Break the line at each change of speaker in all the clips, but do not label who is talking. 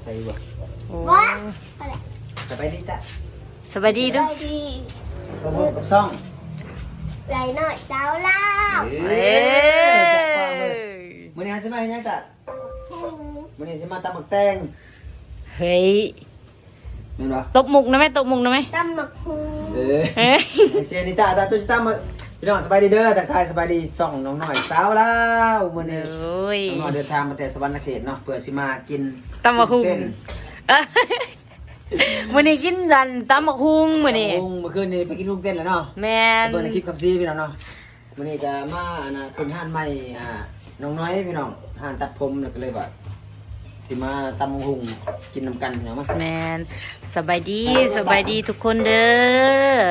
ส่บ่
โอ้
สบายดีจ้ะ
สบายดีด้วย
พบกับซ่อง
ไหลหน่อยสาวเล่า
มื้อนี้สิมาเฮ็ดหยังจ้ะมื้อนี้สิมาตำบักแตง
เฮ้ย
แม่นบ่
ตบมุกนะไหมตบมุกนะไหม
ตำหมักฮู
เฮ้ย
เชียร์นิตาตาตุ้ยตามมาพี่น้องสบายดีเด้อทักทายสบายดีซ่องน้องน้อยสาวลาวมื้อนี้
โอ้ย
น้องน้อยเดินทางมาแต่สวรรค์เขตเนาะเพื่อสิมากิน
ตำบักหุ่งมื้อนี้กินดันตำบักหุ่งมื้อนี้
เมื่อคืนนี้ไปกินลูกเต้นแล้วเนาะ
แม่น
เบิ่งในคลิปคำซีพี่น้องเนาะมื้อนี้จะมาขึ้นห้านใหม่น้องน้อยพี่น้องห้านตัดผมแล้วก็เลยว่าสิมาตำหุงกินน้ำกันพี่น้องมั้ย
แม่นสบายดีทุกคนเด้อ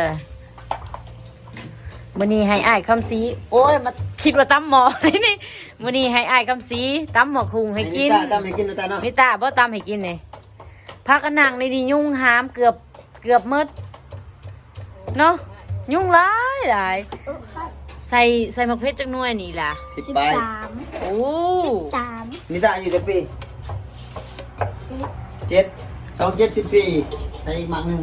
มื้อนี้ให้อ้ายคำสีโอ้ยมาคิดว่าตำหมอนี่มื้อนี้ให้อ้ายคำสีตำบักหุ่งให้กิน
ตำให้กินนะตาเนาะ
มิตาบ่ตำให้กินนี่พักกันนั่งในนี่ยุ่งหามเกือบหมดเนาะยุ่งหลายใส่มะเขือจักหน่วยนี่ล่ะ
10ไป
โอ้
13
นิตาอายู่จักปี7 2714ใส่อีกหมากหนึง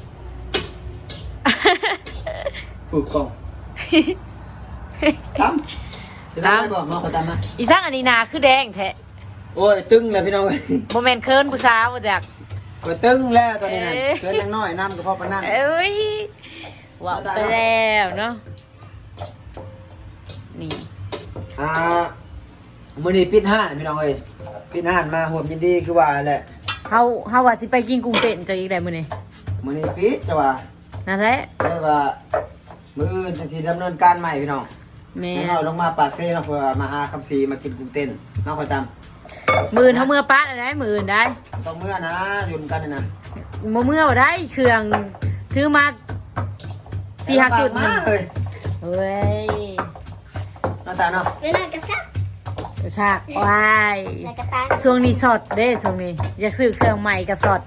ผูกกล่องตำจะตำได้บ่มาขอตำมา
อีสังอันนี้นาคือแดงแท้
โอ้ยตึงแล้วพี่น้องเอ้ย
บ่แม่นเคินผู้สาวบ่จัก
ก็ตึงแล้วตอนนี้นั่น
เอ๊ะ
เกินยังน้อยน้ำก็พอปานนั้น
เอ้ยว่าไปแล้วเนาะนี่
มื้อนี้ปิดห้านพี่น้องเอ้ยปิดห้านมาห่วมยินดีคือว่าแหละ
เฮาว่าสิไปกินกุ้งเต้นจังอีกได้มื้อนี้
มื้อนี้ปิดจะว่า
นั่นแหละ
เลยว่ามื้ออื่นจังสิดำเนินการใหม่พี่น้อง
แม่
น้องลงมาปากเซ่เนาะเพื่อมาหาคำซีมากินกุ้งเต้นน้องคอยตาม
มื้อเฮาเมื่อปะได้มื้ออื่นได้
ต้องเมื่อนะอยู่กันนี่นะ
บ่เมื่อบ่ได้เครื่องถือมา4-5จุด
มาเฮ้ย
เฮ้ย
น้าตาเนาะ
แล้วนายกระซัก
ซากวาย
นายกระตา
ช่วงนี้สดเด้ช่วงนี้อยากซื้อเครื่องใหม่กับสด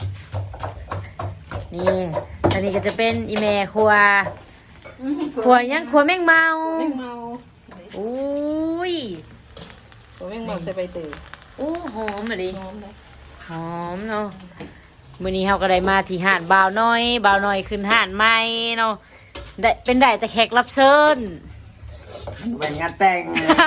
นี่อันนี้ก็จะเป็นอีเมครัวยังครัวแมงเมา
แมงเมา
อุ้ย
ตัวแมงเมาใส่ใบเตย
อู้หอมมาดิ
หอมเลย
หอมเนาะมื้อนี้เราก็ได้มาที่ห้านบ่าวน้อยขึ้นห้านใหม่เนาะได้แต่แขกรับเชิญ
เป็นงานแต่ง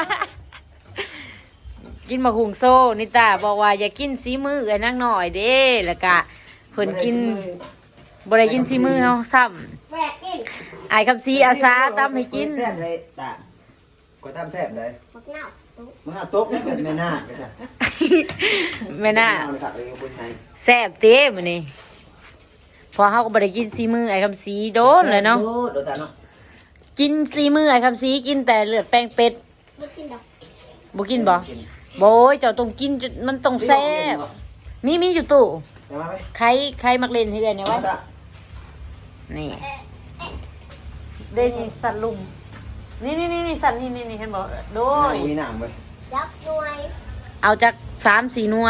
กินมะฮุงโซ่นิตาบอกว่าอย่ากินสีมือไอ้นั่งหน่อยเด้แล้วก็เพิ่นกินบ่ได้กินสีมือเฮาซ้ำ
แหวกกิน
ไอ้คำซีอาสาตำให้กิน
แซ่บเลยตาก็ตามแซ่บเลย
มักเน่า
มันเอาโต๊ะได้แบบแม่นาคไปจ้ะ
แม่น่า
เอาเลยครับเลยคนไทย
แซ่บเต้มื้อนี้พอเฮาก็บ่ได้กินสีมือไอ้คำซีโดนเลยเนาะ
โดนตาเนาะ
กินสีมือไอ้คำซีกินแต่เลือดแป้งเป็ด
ไม่กินดอก
บ่กินบ่โบยเจ้าต้องกินจนมันต้องแซ่บมีอยู่ตู้
เดี๋ยวมาไหม
ใครมักเล่นให้ได้เนี่ยไว้
ตา
นี่ได้นี่สัตว์ลุมนี่สัตว์นี่เห็นบ่โดย
มีหนังไป
ยับหน่วย
เอาจาก3-4หน่วย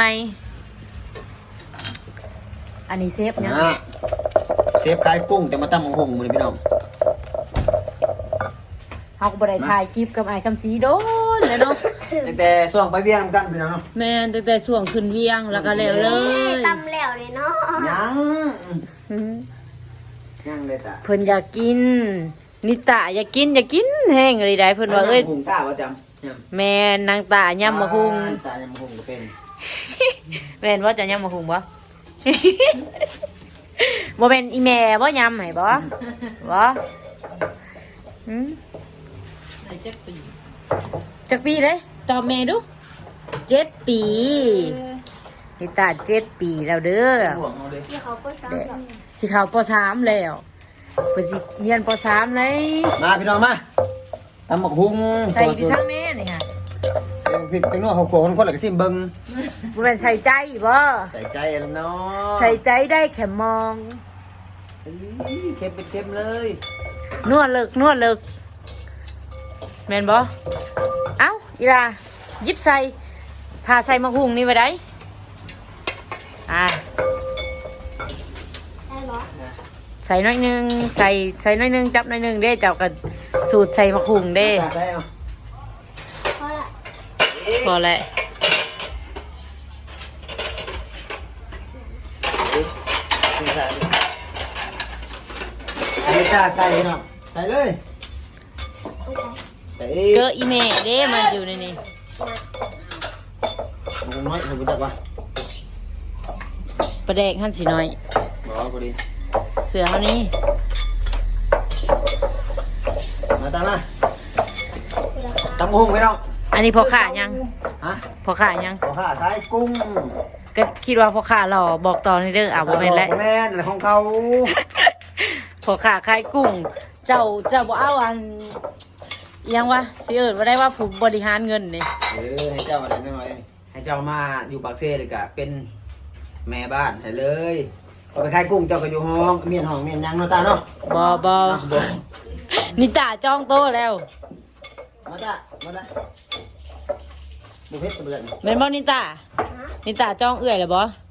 อันนี้เซฟเนี่ย
เซฟขายกุ้งแต่มาตั้มหงมือพี่น้อง
เฮาก็บ่ได้ถ่ายคลิปกับไอ้คำสีโดนเลยเนาะ
ตั้งแต่ส่วงไปเวียงกันพี่น้องเนาะ
แม่นตั้งแต่ช่วงขึ้นเวียงแล้วก็แล้วเลย
ตำแล้วเลยเนาะ
อืม
ยังเลยตา
เพิ่นอยากกิน นิตาอยากกินแห้งเลยได้เพิ่นว่าเอ้ย
หุงตาว่าจำยำ
แม่นนางตายำมะฮุง
ตายำมะฮุงก็เป็น
แม่นว่าจะยำมะฮุงบ่ บ่เป็นอีแม่บ่ยำให้บ่บ่หืม
ใส่จักปี
จักปีเลยตอบแม่ดู7 ปีนิตา7 ปีแล้วเด้อ
ห่วงเอาเลย
ที่เขาก็ซ้ำดอก
สิเข้าป .3 แล้วเพิ่นสิเรียนป .3 เลย
มาพี่น้องมาตำหมกฮุง
ใส่ที่ซังแม่นี่ค่ะ
ใส่พริกแตงโมเขาโขคนละก็ซิมเบิ่ง
บ่แม่นใส่ใจบ่
ใส่ใจแล้วเนาะ
ใส่ใจได้แค่มอง
เค็มเป็นเค็มเลย
นวดเลิกแม่นบ่เอ้าอีลาหยิบใส่ถ้าใส่มะฮุงนี่ไว้ได้
ได้เหรอ
ใส่น้อยหนึงใส่น้อยหนึงจับน้อยหนึงเด้เจ้าก็สูตรใส่มะฮุงเด้
ได้เอา
เพราะละ
พอแล้ว
ใส่อันนี้จ้าใส่เนาะใส่เลยใส่
เกออีเมเด้มันอยู่ในนี้
มันน้อยผมรู้จักว่า
ประแดกหั่นสิน้อย
บอกพอดี
เสือเฮานี้
มาตามมาตำกุ้งพี่น้อง
อันนี้พอขายัง
ฮะ
พอขายัง
ขอข้าใส่กุ้ง
ก็คิดว่าพอขาหล่อบอกตอนนี้เด้อบ่แม่นแล้ว
แม่นอะไรของเขา
พอขาขายกุ้ง เจ้าบ่เอาอันอิหยังวะสิเอิ้นว่าได้ว่าผู้บริหารเงินนี่
ให้เจ้าอะไรหน่อยให้เจ้ามาอยู่ปากเซ่เลยกะเป็นแม่บ้านให้เลยเอาไปขายกุ้งเจ้าก็อยู่ห้องเมียนห้องเมียนยังเนาะตาเนาะ
บ่
บ่
นิตาจองโต๊ะแล้ว
มาจ้ะมาจ้ะบุฟเฟ่ต์ตัวเล็ก
แม่นบ่นิตานิตาจองเอื้อยแล้วบ่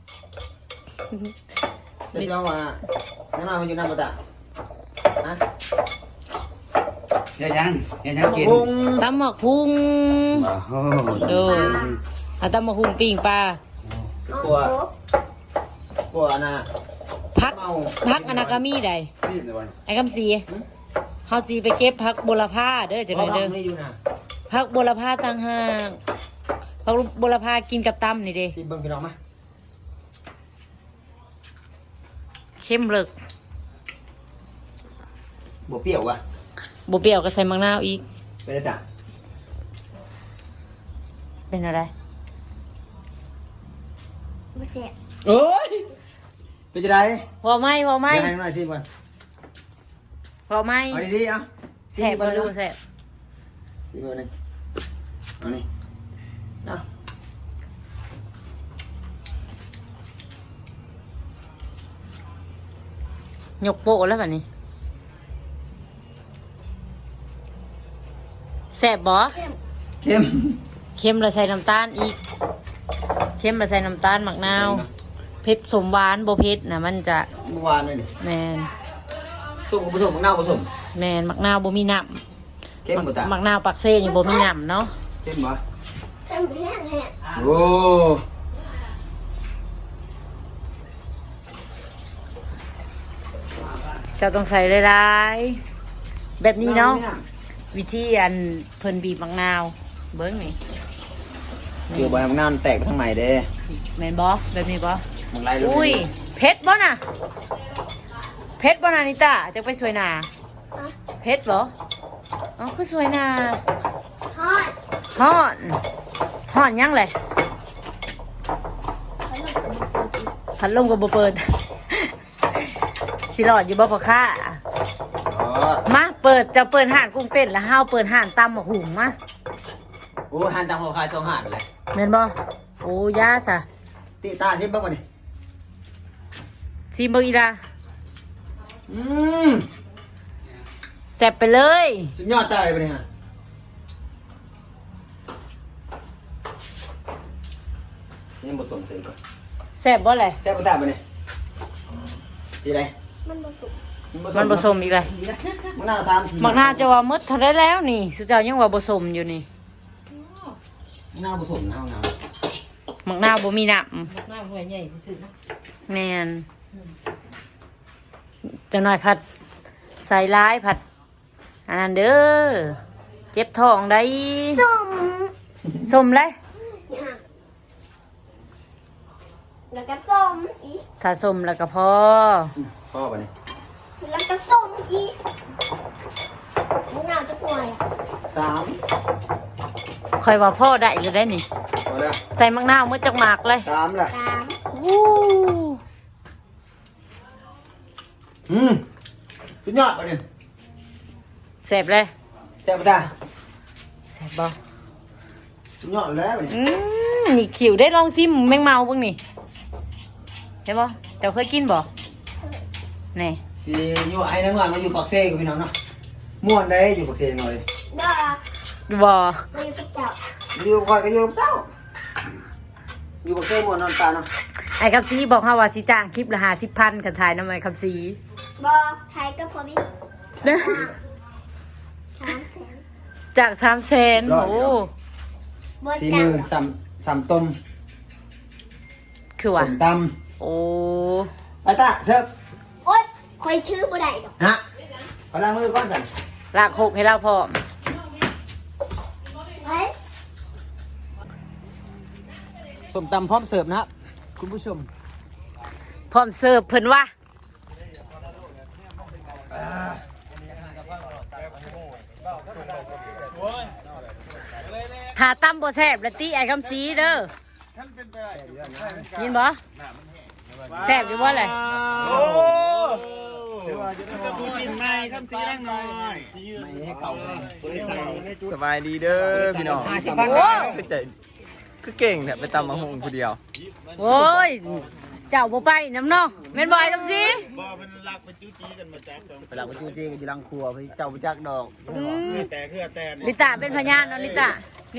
เดี๋ยวเจ้าว่าน้ามาอยู่น้ำมาจ้ะฮะ
เดี๋ยวยังกิน
กุ้ง
ตำบักหุ่ง
โอ้โห
โดเอาตำบักหุ่งปิ้งปลา
กลัวน่ะ
พักอนาคามีใด
ซีบในวัน
ไอ้คำสีเฮาสิไปเก็บผักบัวละพาเด้อจังได๋เด้อ
ไม่อยู่นะ
ผักบัวละพาต่างหากผักบัวละพากินกับตำนี่เด้
สิเบิ่งพี่น้องมา
เข้มเลิก
บ่เปรี้ยวว่ะ
บ่เปรี้ยวก็ใส่มะนาวอีก
ไปเลยจ้ะ
เป็นอะไร
ไม่เสีย
เอ้ยเป็นจะได
ว่าไหม่
เดี๋ยวให้หน่อยสิก่อน
ว่าไหม่
เอาดีๆเอา
แซ่บบ่รู้แซ่บ
สิเบอร์หนึ่งเอานี่เอา
ยกโปะแล้วบัดนี้แซ่บบ่
เข้ม
เค็มแล้วใส่น้ำตาลอีกเค็มแล้วใส่น้ำตาลมะนาวเผ็ดสมหวานบ่เผ็ดน่ะมันจะ
เมื่อวานเลยนี่
แมน
ส้มกับผสมมะนาวผสม
แมนมะนาวบ่มีน้
เข้มบ่ตา
ำมะนาวปักเซ่นี่บ่มีน้ำเนาะ
เข้มบ่
เข้มแห้งแห้ง
โอ้
เจ้าต้องใส่หลายๆแบบนี้เนาะวิธีอันเพิ่นบีบมะนาวเบิ่งนี่
เดี๋ยวใบมะนาวมันแตกไปทางใหม่เด้
แม่นบ่แบบนี้บ่
มันไล่เลย
อุ้ยเผ็ดบ่น่ะเผ็ดบ่น่ะนิตาจะไปสวยหนาเผ็ดบ่อ๋อคือสวยหนา
ทอด
ฮ้อนฮ้อนยังเลยพัดลมก็บ่เปิด สิรอดอยู่บ่พ่อค้า
อ๋อ
มาเปิดจะเปิดห้านกุ้งเต้นแล้วห้าวเปิดห้านตำบักหุ่งมา
โอ้หันตามหัวคายสองหันเลย
แม่นบ่โอ้ยาซะ
ตีตาทิพย์บ้างก่อนดิ
ซีเบิ่งอีลา
อืม
แซ่บไปเลย
สุดยอดตายไปเนี่ยฮะนี่ผสมใส่ก่อน
แซ่บบ่เลย
แซ่บตาไปเนี่ยดีไร
มันผสม
มันผสมอีกเลย
มะนาวสามสี่
มักนาจะว่าหมดเท่าได้แล้วนี่สุดเจ้ายังว่าผสมอยู่นี่
มะนาวผสมน้ำน้
มักนาวบ่มีน้
หน้าหัวใหญ่สุดๆนะ
ำแม่นจังหน่อยผัดใส่ร้ายผัดอันนั้นเด้อเจ็บท้องได้
ส้ม
สมเลย
เนี่ยแล้วก็ส้มอีก
ถ้าสมแล้วก็พอ
ำพ่อไปเนี่ย
แล้วก็ส้มอีกมะนาวจะป่วย
สาม
คอยว่าพ่อได้อยู่ได้นี่
พอแล้ว
ใส่มักนาวมือจักหมากเลย
สามแหละ
สาม
วู้
สุดยอดไปเนี่ย
แซ่บเลย
แซ่บตา
แซ่บบ่
สุดยอดแล้วไปเนี่ย
นี่ขิวได้ลองซิมแมงเมาเบิ่งนี่เห็นบ่เจ้าเคยกินบ่นี่
สิอยู่ไอ้นั่งหลังมาอยู่ปากเซ่กับพี่น้องเนาะม่วนได้อยู่ปากเซ่หน่อย
ดอก
บ่
มาอยู่กับเจ้า
อยู่คอยก็อยู่กับเจ้าอยู่ปากเซ่ม่วนนอนตาเนาะ
ไอ้คำซีบอกเฮาว่าสิจ้างคลิปละ50,000กันถ่ายนำไอ้คำซี
บอกไทยก็พอมีสามแสน
จาก300,000โอ้
บน
สี
กลา
มื
ง
อสามต้ม
คือ
ส
ว่า
มต
โอ้
ำไปตาเสิร์ฟ
โอ๊ยคอยชื่อบ่ได้ดอก
ฮะขอล้างมือก่อนสัน
ลากหกให้เราพร้อม
เฮ้ย
ส้มตำพร้อมเสิร์ฟนะครับคุณผู้ชม
พร้อมเสิร์ฟเพิ่นว่าถ้าตำบ่แซ่บแล้วตีไอ้คำสีเด้อยินบ่แซ่บอยู่บ่เลย
จะดูกินไหมคำสีแรงหน่อย
ไม่ให้เก่าบริษัท
สบายดีเด้อพี่น้อง
โอ้
ไปใจคือเก่งเนี่ยไปตำมะฮงผู้เดียว
โอ้ยเจ้าบ่ไปน้ำเนาะแม่นบ่ไอ้คำสี
บ่เป็นรักไปจู้จี้กันมาจากสอง
ไปหลักไปจูเจกันอยู่หลังครัวพี่เจ้าไปจักดอก
แต่
ลิตาเป็นพยานเนาะลิตา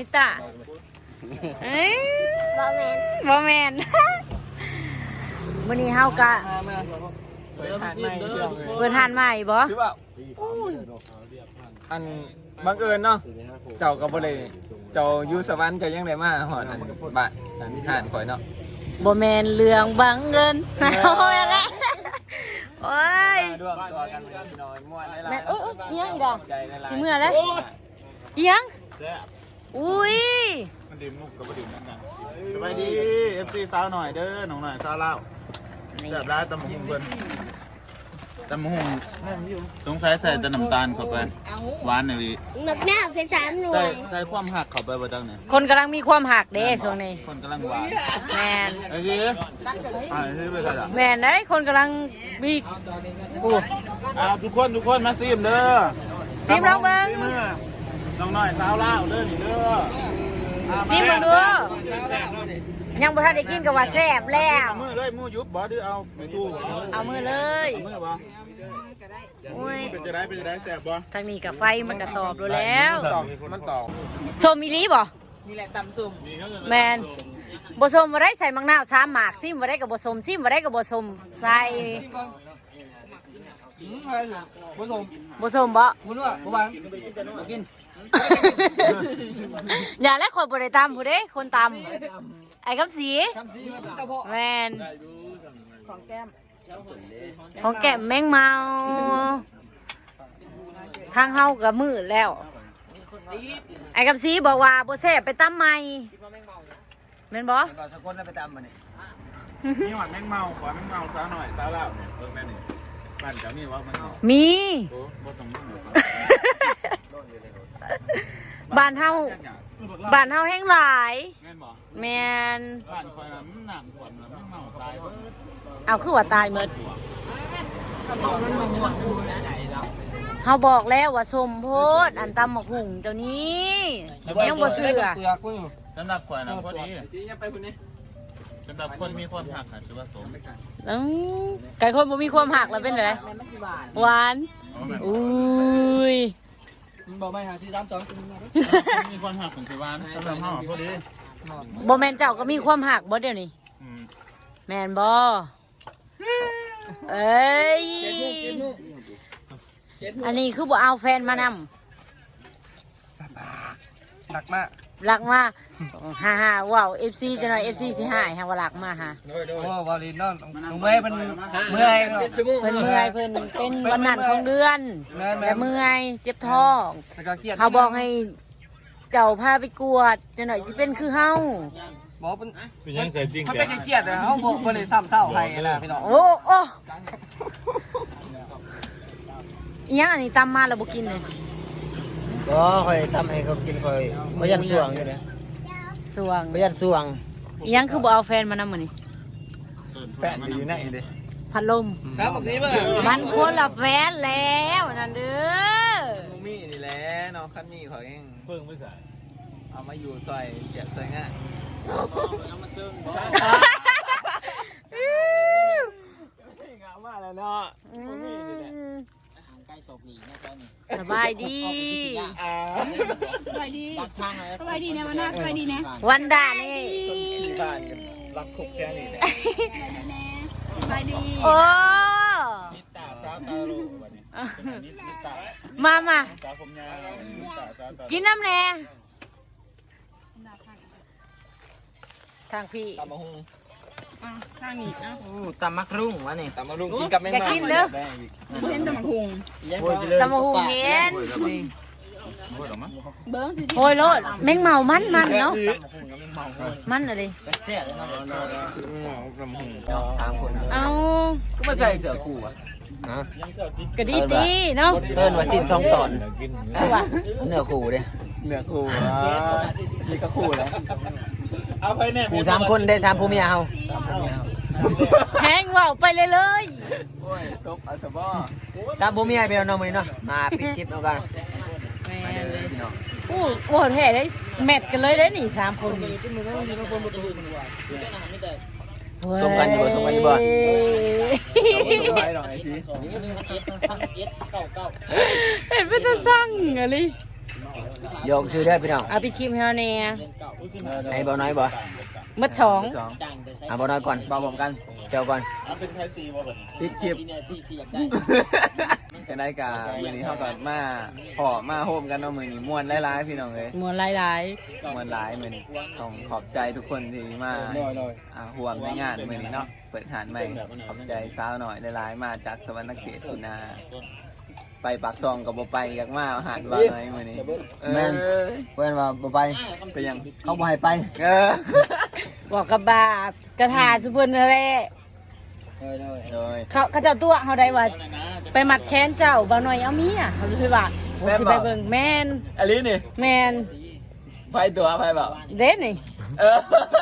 เอ้ย
บ่แมน
บ่แม่น มื้อนี้เฮากะ
เปิดทานใหม่พี่น้องเลย
เปิดทานใหม่บ่
คือว่าอันบังเอิญเนาะเจ้าก็บ่ได้เจ้าอยู่สวรรค์เจ้ายังได้มาหอดอันบ้านอันทานข่อยเนาะ
บ่แม่นเรื่องบังเอิญ เอาแม่นละโอ้ย
มาร่วมตัวกันเลยพี่น้องม่วนหลายๆ
แม่นโอ้ยอีหยังอีกอ่ะ
ใจหลายๆ
สิเมื่อแล้วอีหยังอุ้ย
มันดื่มมุกกับดื่มนั่นกันสบายดี FC สาวหน่อยเด้อน้องหน่อยสาวเล่าแบบร้านตำหุงเพิ่นตำหุงสงสัยใส่แต่น้ำตาลเข้าไปหวานเลย
หมึกหน้าใส่3หน่ว
ใส่
ย
ความหักเข้าไปบ่จังเนี่ย
คนกำลังมีความหักเด้ช่วงนี้
คนกำลังหวาน
แม่น
ไอ้กี้ซื้อไปใส่ละ
แม่นเด้คนกำลังมีโอ้
ทุกคนมาซิมเด้อ
ซิมลองเบิ่ง
ซิมเด้อน้องหน่อยสาวเล่าเด้อนี่เด้อ
ซิมเบิ่งดูยังบ่ทันได้กินก็ว่าแซ่บแล้ว
มือเลยมือยุบบ่ดื้อเอาไม่ถูก
เอามือเลย
มือบ่
อุ้ย
เป็นจะได้แสบบ่
ทางนี้กับไฟมันก็ตอบดูแล้ว
มันตอบ
ส้มอีหลีบ่นี่แหละตำส้มแมนบ่ส้มบ่ได้ใส่มังนาว3หมากซิมบ่ได้ก็บ่ส้มซิมบ่ได้ก็บ่ส้มใส่
ผู้ชม
บ่ส้มบ่
คุณว่าผู้บังกิน
อย่าและคนบ่ได้ตำผู้เด้คนตำไอ้คำสีแม่นของแก้มแมงเมาทางเฮาก็มืดแล้ว ไอ้คำสีบอกว่าบ่แซ่บไปตำใหม่แม่นบ่
ก่อนสกุลแล้วไปตามมาเนี่ย
มีหวานแมงเมาขอแมงเมาสาวหน่อยสาวเล่าเนี่ยแม่นี่บ้านจะมีว่ามันเมา
มี
โอ้บ่ต้องมึง
บ้านเฮาแห้งหลาย
แม่นบ่
แม่น
บ้านคอยน่ะมันหนักขวัญแมงเมาตาย
เอาคือว่าตายหมดเฮาบอกแล้วว่าสมโพธอันตำบักหุ่งเจ้านี้ยังบ่เชื่อ
สำหรับข่อยน่ะพอดีสำหรับคนมีความหักค่ะถือว่าสม
ไก่คนบ่มีความหักแล้วเป็นไงหวานอุ้ย
บอกไม่หาที่ตามสอง
มีความหักของถือว่าสำหรับเฮาพอดี
บ่แม่นเจ้าก็มีความหักบ่เดี๋ยวนี้แม่นบ่เอ้ยอันนี้คือบ่เอาแฟนมานำ
หนักมาก
รักมาฮ่าว้าว FC จะหน่อย FC สิหายฮะว่ารักมาฮะ
โอ้วาลินน้องเมื่อยเป็นเมื่อย
เพิ่นเมื่อยเพิ่นเป็นวันนั้นของเดือนแต่เมื่อยเจ็บท้อง
แล้วก็เครียด
เขาบอกให้เจ้าพาไปกวดจะหน่อยสิเป็นคือเฮา
บอกเป็นยังใส่จริงเขาเป็นเครียดเลยเขาบอกเลยซ้ำเศร้าให้นะพี่น้อง
โอ้โอ้อีหยังอันนี้ตำมาแล้วบ่กินเลย
ก็คอยทำให้เขากินคอยพยันสวงอยู่เนี่ย
สวง
พยันสวง
อีหยังคือบ่เอาแฟนมานำมื้อนี้
แฟนอยู่ไหนดิ
พัดลม
ครับบอกสิเมื่อ
มันคนละแฟนแล้วนั่นเด้อ
มีนี่แหละน้องคันนี้เขาเองเพิ่งไม่ใส่เอามาอยู่ซอยเจ็บซอยง่ายเอามาซึ่งงามมากเลยเนาะ
สบายดี
สบายดีนะวันหน้าสบายดีนะ
วันด่านี่
บ้านกันรักคุกแค่นี้แหละ
สบายดี
โอ้
นิตาสาวตาโลวันนี้นิตา
มา
สาวผมยาวนิตาสาวตา
กินน้ำแน่ทางพี่
ตามมาฮง
ทางนี้อ่ะ
ตำมักรุ่งวะนี่
ตำมะรุงกินกับแมง
อยาก
เม่า
กินเด้อ
เห็นแต่หมักหุง
ตำมะฮูเห็น
พูดหรอมั้ง
เบิ้งสิ
โอ้ยโลดแมงเมามันเนาะมันอะไร
สามคน
เอา
ก็มาใส่เสื้อคู่อ่ะ
กระดีดีเนาะ
เพิ่นว่าสิ้นสองตอนเนื้อคู่เด้
เนื้อคู่นี่ก็คู่แล้ว
เอาไปเนี่ย
คู่3คนได้3ผู้เมียเฮา
แห้งว่าวไปเลยเลย
โอ้ยตบอาสบอ
3ผู้เมียไปเอาน้องมื้อนี้เนาะมาปิดคลิปเอากัน
โอ้แท้ได้แมทกันเลยได้นี่3คนนี่
สมกันอยู่บ่สมกันอยู่บ่
ไปหน่อยสิ
เห็นเป็นตาสั่งอะไร
โยกชื่อได้พี่น้อง
เอาไปคลิปให้เฮาแน่
ไอ้บ่น้อยบ่
มัดสอง
สอง
อ่ะบ่น้อยก่อน
เบาผมกัน
เจ้าก่อน
เอาเป็นไทยซีบ่แบบ
ปิดคลิปจะได้กามือนี้เข้ากับมาขอมาโฮมกันเนาะมือนี้ม่วนหลายๆพี่น้องเลย
มวนหลาย
ม่วนหลายมือนี้ต้องขอบใจทุกคนที่มาห่วงในงานมือนี้เนาะเปิดหานใหม่ขอบใจสาวหน่อยหลายๆมาจากสวรรณเขตคุณนาไปปากซองกับบ่ไปอยากมาหาดว่าหน่อยมือนี้
แม่นเพิ่นว่าบ่ไป
ไปยัง
เขาบ่ให้ไป
ๆบอกกับบาปกระถาสุเพิ่นนั่นแหละ
โดย
เขาเจ้าตัวเฮาได้ว่าไปมัดแขนเจ้าบ่หน่อยเอาเมียเขาเลยว่าโอ้สิไปเบิ่งแม่น
อลินี่
แม่น
ไปตัวไปเปล่า
เด้นี่
เออ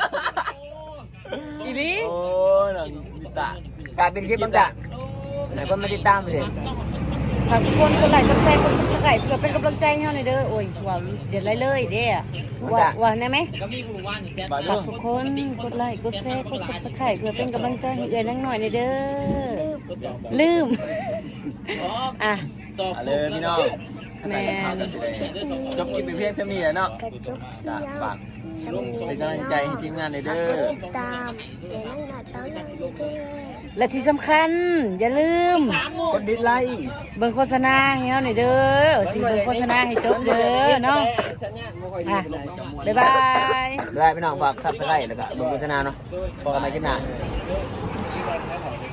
อีหลี
โอ้ยน้องมิตะ
กลายเป็นคลิปบ้างจ้ะไหนคนมาติดตามไปสิ
ฝากทุกคนกดไลค์กดแชร์กด Subscribe เพื่อเป็นกำลังใจให้เฮาหน่อยเด้อโอ้ยว้าวเดี๋ยวไล่เลยเด้อว่าได้ไหม
บา
ฝา
ลุ
ก
ง
ทุกคนกดไลค์กดแชร์กด Subscribe เพื่อเป็นกำลังใจให้เอื้อยนังหน่อยหน่อยเด้อลืมอ่ะ
เอาเลยพี่น้องข้าใส่ข้าวจะสิได้จบคลิปไปเพียงเท่านี้แหละเนาะ
กระจุกเพีย
ก็
ง
ฝากเป็นกำลังใจให้ทีมงานเลยเด้อ
ตามเดี๋ยวนั่งหน้าเช้าหน้าเด้อ
และที่สำคัญอย่าลืม
กดดิสไลค์
เบิ่งโฆษณาให้เฮาหน่อยเด้อสิเบิ่งโฆษณาให้จบเด้อเนาะอ่ะบ๊ายบาย
ได้พี่น้องฝาก Subscribe แล้วก็เบิ่งโฆษณาเนาะพบกันใหม่คลิปหน้า